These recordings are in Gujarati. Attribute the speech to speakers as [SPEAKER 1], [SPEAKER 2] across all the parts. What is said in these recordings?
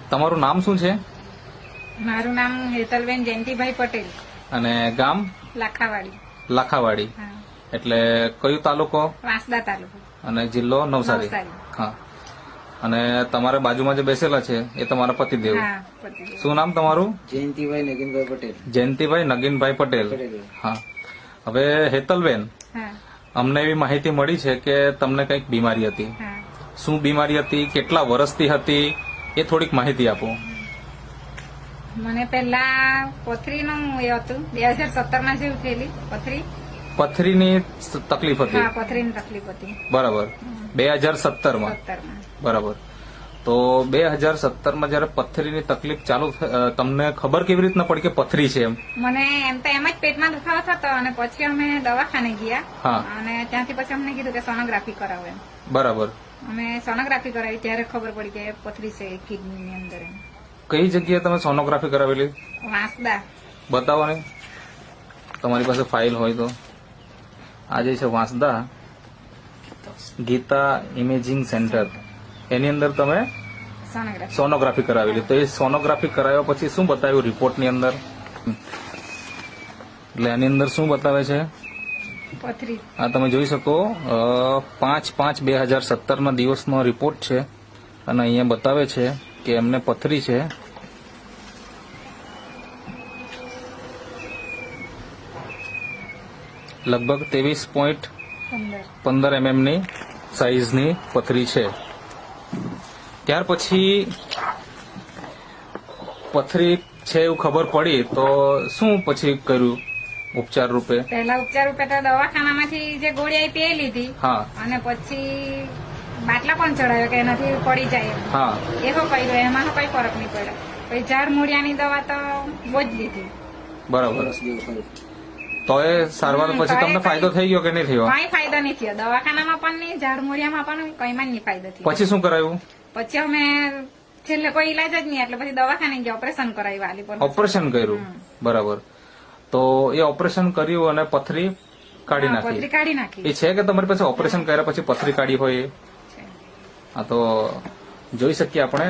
[SPEAKER 1] તમારું નામ શું છે
[SPEAKER 2] મારું નામ હેતલબેન જયંતિભાઈ પટેલ,
[SPEAKER 1] અને ગામ
[SPEAKER 2] લાખાવાડી.
[SPEAKER 1] લાખાવાડી,
[SPEAKER 2] હા,
[SPEAKER 1] એટલે કયો તાલુકો
[SPEAKER 2] વાંસદા તાલુકો,
[SPEAKER 1] અને જિલ્લો નવસારી?
[SPEAKER 2] નવસારી.
[SPEAKER 1] હા. અને તમારા બાજુમાં જે બેસેલા છે એ તમારા પતિદેવ.
[SPEAKER 2] હા, પતિદેવ.
[SPEAKER 1] શું નામ તમારું?
[SPEAKER 3] જયંતિભાઈ નગીનભાઈ પટેલ.
[SPEAKER 1] જયંતિભાઈ નગીનભાઈ પટેલ. હા. હવે હેતલબેન,
[SPEAKER 2] હા,
[SPEAKER 1] અમને એવી માહિતી મળી છે કે તમને કંઈક બીમારી હતી.
[SPEAKER 2] હા.
[SPEAKER 1] શું બીમારી હતી, કેટલા વર્ષથી હતી, એ થોડીક માહિતી આપો.
[SPEAKER 2] મને પહેલા પથરીનું એ હતું, 2017 જેવું થયેલી
[SPEAKER 1] પથરીની તકલીફ હતી.
[SPEAKER 2] હા, પથરીની તકલીફ હતી
[SPEAKER 1] બરાબર. 2017 માં.
[SPEAKER 2] 17.
[SPEAKER 1] બરાબર. તો 2017 જયારે પથરીની તકલીફ ચાલુ તમને ખબર કેવી રીતના પડી કે પથરી છે એમ?
[SPEAKER 2] મને એમ તો એમ જ પેટમાં દુખાવો થતો, અને પછી અમે દવાખાને ગયા.
[SPEAKER 1] હા.
[SPEAKER 2] અને ત્યાંથી પછી અમને કીધું કે સોનોગ્રાફી કરાવો એમ.
[SPEAKER 1] બરાબર.
[SPEAKER 2] અમે સોનોગ્રાફી કરાવી ત્યારે ખબર પડી કે પથરી છે કિડનીની અંદર એમ.
[SPEAKER 1] કઈ જગ્યાએ તમે સોનોગ્રાફી કરાવેલી?
[SPEAKER 2] વાંસદા.
[SPEAKER 1] બતાવો ને, તમારી પાસે ફાઇલ હોય તો. આ જે છે વાંસદા ગીતા ઇમેજિંગ સેન્ટર, એની અંદર તમે
[SPEAKER 2] સોનોગ્રાફી.
[SPEAKER 1] સોનોગ્રાફી કરાવેલી. તો એ સોનોગ્રાફી કરાવ્યા પછી શું બતાવ્યું રિપોર્ટની અંદર? એટલે એની અંદર શું બતાવે છે?
[SPEAKER 2] પથરી.
[SPEAKER 1] આ તમે જોઈ શકો 5/5/2017 દિવસનો રિપોર્ટ છે, અને અહીંયા બતાવે છે કે એમને પથરી છે. લગભગ 23.15 mm ની સાઈઝની પથરી છે. ત્યાર પછી પથરી છે એવું ખબર પડી તો શું પછી કર્યું ઉપચાર રૂપે?
[SPEAKER 2] પહેલા ઉપચાર રૂપે તો દવાખાનામાંથી જે ગોળી આપી એ લીધી.
[SPEAKER 1] હા.
[SPEAKER 2] અને પછી બાટલા પણ ચડાવ્યો કે એનાથી પડી જાય એમ.
[SPEAKER 1] હા.
[SPEAKER 2] એવો કર્યો, એમાં કઈ ફરક નહીં પડ્યો. પછી ઝાડ મૂળિયાની દવા તો બહુ જ લીધી.
[SPEAKER 1] બરાબર. તો એ સારવાર પછી તમને ફાયદો થઈ ગયો કે નહીં થયો?
[SPEAKER 2] કઈ ફાયદો નહીં થયો, દવાખાનામાં પણ નહીં, ઝાડ મૂળિયામાં પણ કઈમાં નહીં ફાયદો થયો.
[SPEAKER 1] પછી શું કરાયું?
[SPEAKER 2] પછી અમે છેલ્લે કોઈ ઈલાજ જ નહીં, એટલે પછી દવાખાને ગયા, ઓપરેશન કરાવ્યું આલી પર.
[SPEAKER 1] ઓપરેશન કર્યું. બરાબર. તો એ ઓપરેશન કર્યું અને પથરી કાઢી
[SPEAKER 2] પથરી
[SPEAKER 1] નાખી.
[SPEAKER 2] કાઢી નાખી.
[SPEAKER 1] એ છે કે તમારી પાસે ઓપરેશન કર્યા પછી પથરી કાઢી હોય એ? હા, તો જોઈ શકીએ આપણે.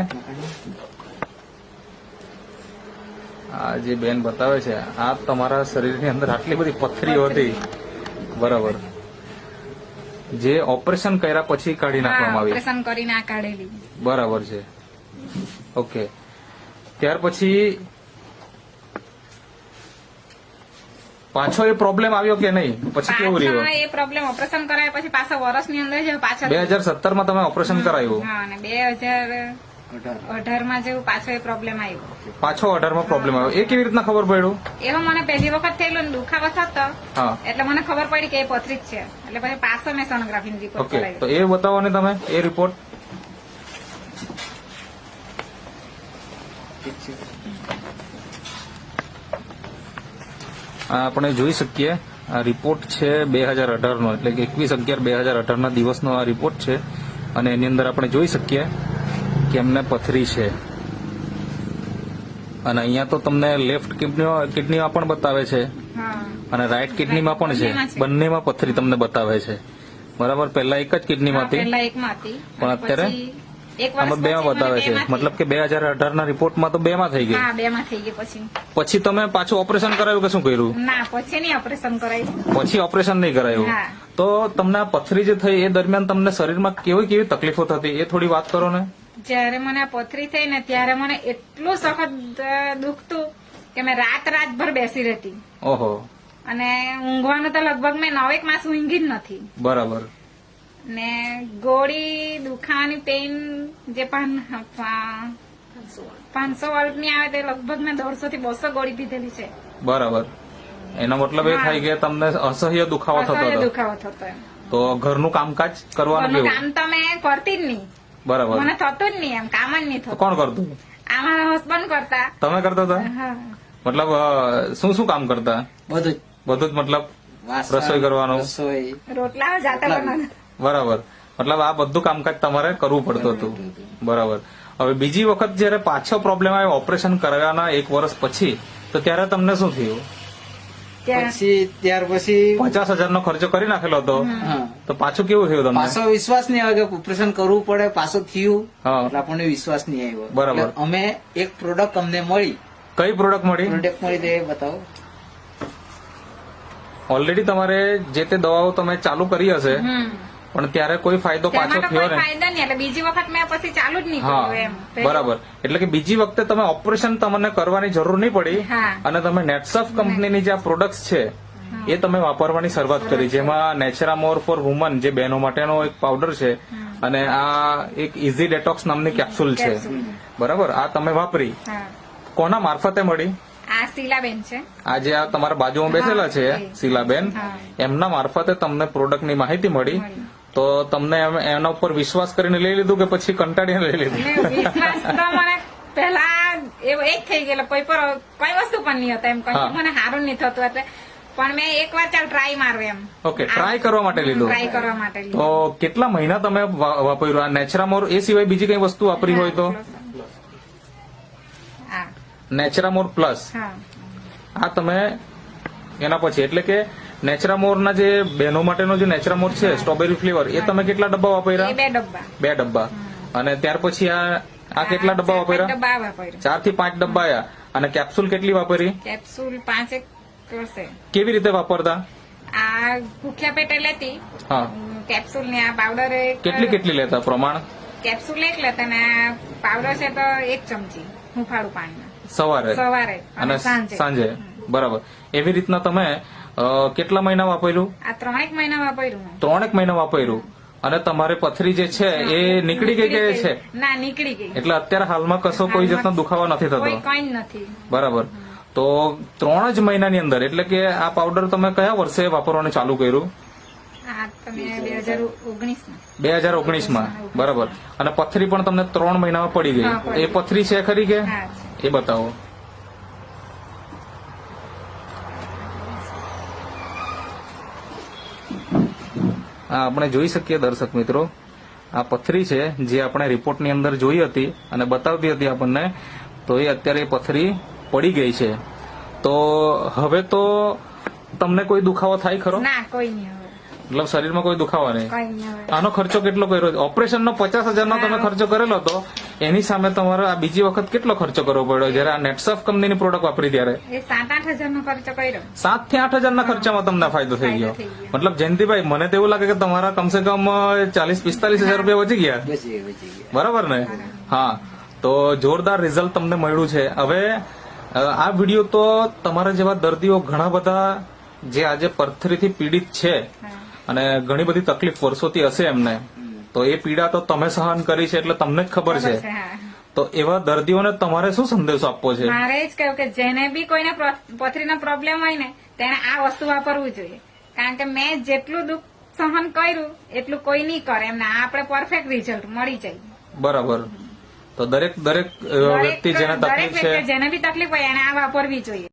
[SPEAKER 1] આ જે બેન બતાવે છે, આ તમારા શરીરની અંદર આટલી બધી પથરીઓ હતી. બરાબર. જે ઓપરેશન કર્યા પછી કાઢી નાખવામાં આવી.
[SPEAKER 2] ઓપરેશન કરીને આ કાઢેલી.
[SPEAKER 1] બરાબર છે. ઓકે. ત્યાર પછી પાછો એ પ્રોબ્લેમ આવ્યો કે નહીં? પછી કેવું રહ્યું?
[SPEAKER 2] પાછો એ પ્રોબ્લેમ ઓપરેશન કરાયા પછી પાછા વર્ષની અંદર જ પાછા
[SPEAKER 1] 2017 માં તમે ઓપરેશન કરાયું?
[SPEAKER 2] હા, અને 2018 જેવું પાછો એ પ્રોબ્લેમ આવ્યો.
[SPEAKER 1] પાછો 18 માં પ્રોબ્લેમ આવ્યો. એ કેવી રીતના ખબર પડ્યું?
[SPEAKER 2] એવો મને પહેલી વખત થયેલો ને દુખાવો થતો,
[SPEAKER 1] હા.
[SPEAKER 2] એટલે મને ખબર પડી કે એ પથરી જ છે. એટલે પછી પાછો મેં સોનોગ્રાફીની રિપોર્ટ
[SPEAKER 1] ઓકે.
[SPEAKER 2] કરાવી.
[SPEAKER 1] તો એ બતાવો ને તમે એ રિપોર્ટ. આ આપણે જોઈ શકીએ. આ રિપોર્ટ છે 2018 નો, એટલે કે 21/11/2018 ના દિવસનો આ રિપોર્ટ છે, અને એની અંદર આપણે જોઈ શકીએ કે એમને પથરી છે. અને અહીંયા તો તમને લેફ્ટ કિડનીમાં પણ બતાવે છે,
[SPEAKER 2] હા.
[SPEAKER 1] અને રાઈટ કિડનીમાં પણ છે.
[SPEAKER 2] બંનેમાં છે.
[SPEAKER 1] બંનેમાં પથરી તમને બતાવે છે. બરાબર. પહેલા એક જ કિડનીમાં હતી,
[SPEAKER 2] પહેલા એકમાં હતી,
[SPEAKER 1] પણ અત્યારે
[SPEAKER 2] પછી એક વર્ષ
[SPEAKER 1] આમાં બેમાં
[SPEAKER 2] પછી
[SPEAKER 1] બતાવે છે.
[SPEAKER 2] મને
[SPEAKER 1] મતલબ કે 2018 ના રિપોર્ટમાં તો બેમાં થઈ ગઈ.
[SPEAKER 2] હા, 2 માં થઈ ગઈ.
[SPEAKER 1] પછી તમે પાછું ઓપરેશન કરાવ્યું કે શું કર્યું?
[SPEAKER 2] ના, પછી નહીં ઓપરેશન કરાયું.
[SPEAKER 1] પછી ઓપરેશન નહીં કરાયું.
[SPEAKER 2] હા.
[SPEAKER 1] તો તમને આ પથરી જે થઈ એ દરમિયાન તમને શરીરમાં કેવી કેવી તકલીફો થતી એ થોડી વાત કરો ને.
[SPEAKER 2] જયારે મને આ પથરી થઈ ને ત્યારે મને એટલું સખત દુખતું કે મેં રાતભર બેસી રહેતી.
[SPEAKER 1] ઓહો.
[SPEAKER 2] અને ઊંઘવાનું તો લગભગ મેં 9 માસ ઊંઘી જ નથી.
[SPEAKER 1] બરાબર.
[SPEAKER 2] ને ગોળી દુખાવાની પેઇન જે 500 વોલ્ટની આવે તે લગભગ મેં 150 થી 200 ગોળી પીધેલી છે.
[SPEAKER 1] બરાબર. એનો મતલબ એ થાય કે તમને અસહ્ય દુખાવો થતો
[SPEAKER 2] અસહ્ય
[SPEAKER 1] હતો.
[SPEAKER 2] દુખાવો થતો એમ.
[SPEAKER 1] તો ઘરનું કામકાજ કરવાનું
[SPEAKER 2] ઘરનું
[SPEAKER 1] કેવું?
[SPEAKER 2] કામ તો મેં કરતી જ નહીં.
[SPEAKER 1] બરાબર.
[SPEAKER 2] મને થતું જ નહીં, એમ કામ જ નહીં
[SPEAKER 1] તો
[SPEAKER 2] થતું.
[SPEAKER 1] કોણ કરતું?
[SPEAKER 2] આમાં હસબન્ડ કરતા.
[SPEAKER 1] તમે કરતા હતા?
[SPEAKER 2] હા.
[SPEAKER 1] મતલબ શું શું કામ કરતા?
[SPEAKER 3] બધું જ.
[SPEAKER 1] બધું જ. મતલબ
[SPEAKER 3] વાસણ,
[SPEAKER 1] રસોઈ કરવાનું?
[SPEAKER 3] રસોઈ.
[SPEAKER 2] રોટલા જાતે બનાવતા.
[SPEAKER 1] બરાબર. મતલબ આ બધું કામકાજ તમારે કરવું પડતું હતું. બરાબર. હવે બીજી વખત જયારે પાછો પ્રોબ્લેમ આવ્યો ઓપરેશન કરાવ્યાના 1 વર્ષ પછી, તો ત્યારે તમને શું થયું?
[SPEAKER 3] ત્યાર પછી
[SPEAKER 1] 50,000 નો ખર્ચો કરી નાખેલો હતો
[SPEAKER 3] હા
[SPEAKER 1] તો પાછું કેવું થયું તમને?
[SPEAKER 3] પાછો વિશ્વાસ નહીં આવે કે ઓપરેશન કરવું પડે, પાછું થયું
[SPEAKER 1] હા.
[SPEAKER 3] એટલે આપણને વિશ્વાસ નહીં આવ્યો.
[SPEAKER 1] બરાબર.
[SPEAKER 3] એટલે અમે એક પ્રોડક્ટ અમને મળી,
[SPEAKER 1] કઈ પ્રોડક્ટ મળી?
[SPEAKER 3] પ્રોડક્ટ મળી તે બતાવો.
[SPEAKER 1] ઓલરેડી તમારે જે તે દવાઓ તમે ચાલુ કરી હશે પણ ત્યારે કોઈ ફાયદો પાછો
[SPEAKER 2] તેમાં તો
[SPEAKER 1] થયો
[SPEAKER 2] કોઈ
[SPEAKER 1] ને?
[SPEAKER 2] ફાયદો નહીં એટલે બીજી વખત મેં પછી ચાલુ જ નહીં
[SPEAKER 1] હા
[SPEAKER 2] કર્યું એમ.
[SPEAKER 1] બરાબર. એટલે કે બીજી વખતે તમે ઓપરેશન તમને કરવાની જરૂર નહીં પડી
[SPEAKER 2] હા.
[SPEAKER 1] અને તમે નેટસફ કંપનીની જે આ પ્રોડક્ટ્સ છે એ તમે વાપરવાની શરૂઆત કરી, જેમાં નેચરામોર ફોર વુમન જે બહેનો માટેનો એક પાવડર છે અને આ એક ઇઝી ડેટોક્સ નામની કેપ્સ્યુલ છે. બરાબર. આ તમે વાપરી.
[SPEAKER 2] હા.
[SPEAKER 1] કોના મારફતે મળી?
[SPEAKER 2] આ શીલાબેન છે.
[SPEAKER 1] આ જે આ તમારા બાજુમાં બેસેલા છે
[SPEAKER 2] હા, એ.
[SPEAKER 1] શીલાબેન,
[SPEAKER 2] હા.
[SPEAKER 1] એમના મારફતે તમને પ્રોડક્ટની માહિતી મળી
[SPEAKER 2] મળી.
[SPEAKER 1] તો તમને એના ઉપર વિશ્વાસ કરીને લઈ લીધું કે પછી કંટાળીને લઈ લીધું?
[SPEAKER 2] એટલે વિશ્વાસ તો મને પેલા એવો એક થઈ ગયેલો, કોઈ પર કોઈ વસ્તુ પણ નહીં હતા એમ
[SPEAKER 1] હા.
[SPEAKER 2] કઈ મને સારું નહીં થતું એટલે પણ મેં એકવાર ચાલ ટ્રાય મારું એમ.
[SPEAKER 1] ઓકે, ટ્રાય કરવા માટે લીધું.
[SPEAKER 2] ટ્રાય કરવા માટે લીધું.
[SPEAKER 1] તો કેટલા મહિના તમે વાપર્યું આ નેચરામોર? એ સિવાય બીજી કઈ વસ્તુ વાપરી હોય તો?
[SPEAKER 2] હા.
[SPEAKER 1] નેચરામોર પ્લસ
[SPEAKER 2] હા.
[SPEAKER 1] આ તમે એના પછી એટલે કે નેચરામોરના જે બહેનો માટેનો જે નેચરામોર છે સ્ટ્રોબેરી ફ્લેવર, એ તમે કેટલા ડબ્બા
[SPEAKER 2] એ
[SPEAKER 1] વાપર્યા?
[SPEAKER 2] 2 ડબ્બા.
[SPEAKER 1] 2 ડબ્બા. અને ત્યાર પછી આ કેટલા ડબ્બા
[SPEAKER 2] 4
[SPEAKER 1] વાપર્યા?
[SPEAKER 2] ડબ્બા વાપર્યા.
[SPEAKER 1] 4 થી 5 ડબ્બા આયા. અને કેપ્સ્યુલ કેટલી વાપરી?
[SPEAKER 2] કેપ્સ્યુલ 5 કરશે.
[SPEAKER 1] કેવી રીતે વાપરતા?
[SPEAKER 2] આ ભૂખ્યા પેટે લેતી
[SPEAKER 1] હા.
[SPEAKER 2] કેપ્સ્યુલ ને આ પાવડર
[SPEAKER 1] કેટલી કેટલી લેતા પ્રમાણ?
[SPEAKER 2] કેપ્સ્યુલ એક લેતા ને આ પાવડર છે તો 1 ચમચી હુંફાળું પાણીમાં
[SPEAKER 1] સવારે
[SPEAKER 2] સવારે
[SPEAKER 1] અને
[SPEAKER 2] સાંજે.
[SPEAKER 1] સાંજે. બરાબર. એવી રીતના તમે કેટલા મહિના વાપર્યું?
[SPEAKER 2] આ 3 મહિના વાપર્યું મેં.
[SPEAKER 1] 3 મહિના વાપર્યું. અને તમારે પથરી જે છે એ નીકળી ગઈ કે છે?
[SPEAKER 2] ના, નીકળી ગઈ.
[SPEAKER 1] એટલે અત્યારે હાલમાં કશો કોઈ જાતનો દુખાવો નથી થતો?
[SPEAKER 2] કોઈ કઈ જ નથી.
[SPEAKER 1] બરાબર. તો 3 જ મહિનાની અંદર એટલે કે આ પાવડર તમે કયા વર્ષે વાપરવાનું ચાલુ કર્યું?
[SPEAKER 2] આ તમે 2019 માં.
[SPEAKER 1] 2019 માં. બરાબર. અને પથરી પણ તમને 3 મહિનામાં પડી ગઈ.
[SPEAKER 2] હા, પડી.
[SPEAKER 1] એ પથરી છે ખરી કે?
[SPEAKER 2] હા, છે.
[SPEAKER 1] એ બતાવો. આ આપણે જોઈ શકીએ દર્શક મિત્રો, આ પથરી છે જે આપણે રિપોર્ટની અંદર જોઈ હતી અને બતાવતી હતી આપણને, તો એ અત્યારે એ પથરી પડી ગઈ છે. તો હવે તો તમને કોઈ દુખાવો થાય ખરો?
[SPEAKER 2] ના, કોઈ નહીં હવે.
[SPEAKER 1] મતલબ શરીરમાં કોઈ દુખાવો નહીં?
[SPEAKER 2] કોઈ નહીં હવે.
[SPEAKER 1] આનો ખર્ચો કેટલો કર્યો? ઓપરેશનનો 50,000 નો તમે ખર્ચો કરેલો હતો, એની સામે તમારે આ બીજી વખત કેટલો ખર્ચો કરવો પડ્યો જયારે આ નેટસફ કંપનીની પ્રોડક્ટ વાપરી ત્યારે?
[SPEAKER 2] એ 7-8 હજાર નો ખર્ચો કર્યો.
[SPEAKER 1] 7 થી 8 હજારના ખર્ચામાં તમને ફાયદો થઈ ગયો.
[SPEAKER 2] ફાયદો થઈ ગયો.
[SPEAKER 1] મતલબ જયંતિભાઈ, મને તો એવું લાગે કે તમારા કમસે કમ 40-45 હજાર રૂપિયા બચી ગયા.
[SPEAKER 3] બચી ગયા.
[SPEAKER 1] બરાબર ને? હા. તો જોરદાર રિઝલ્ટ તમને મળ્યું છે. હવે આ વિડીયો તો તમારા જેવા દર્દીઓ ઘણા બધા જે આજે પથરીથી પીડિત છે
[SPEAKER 2] હા.
[SPEAKER 1] અને ઘણી બધી તકલીફ વર્ષોથી હશે એમને, તો એ પીડા તો તમે સહન કરી છે એટલે તમને જ ખબર છે.
[SPEAKER 2] હા.
[SPEAKER 1] તો એવા દર્દીઓને તમારે શું સંદેશો આપવો છે?
[SPEAKER 2] મારે જ કહ્યું કે જેને બી કોઈને પથરીનો પ્રોબ્લેમ હોય ને તેને આ વસ્તુ વાપરવું જોઈએ, કારણ કે મેં જેટલું દુઃખ સહન કર્યું એટલું કોઈ નહીં કરે એમને આપણે પરફેક્ટ રિઝલ્ટ મળી જાય.
[SPEAKER 1] બરાબર. તો દરેક વ્યક્તિ જેને
[SPEAKER 2] દરેક
[SPEAKER 1] તકલીફ છે
[SPEAKER 2] વ્યક્તિ જેને બી તકલીફ હોય એને આ વાપરવી જોઈએ.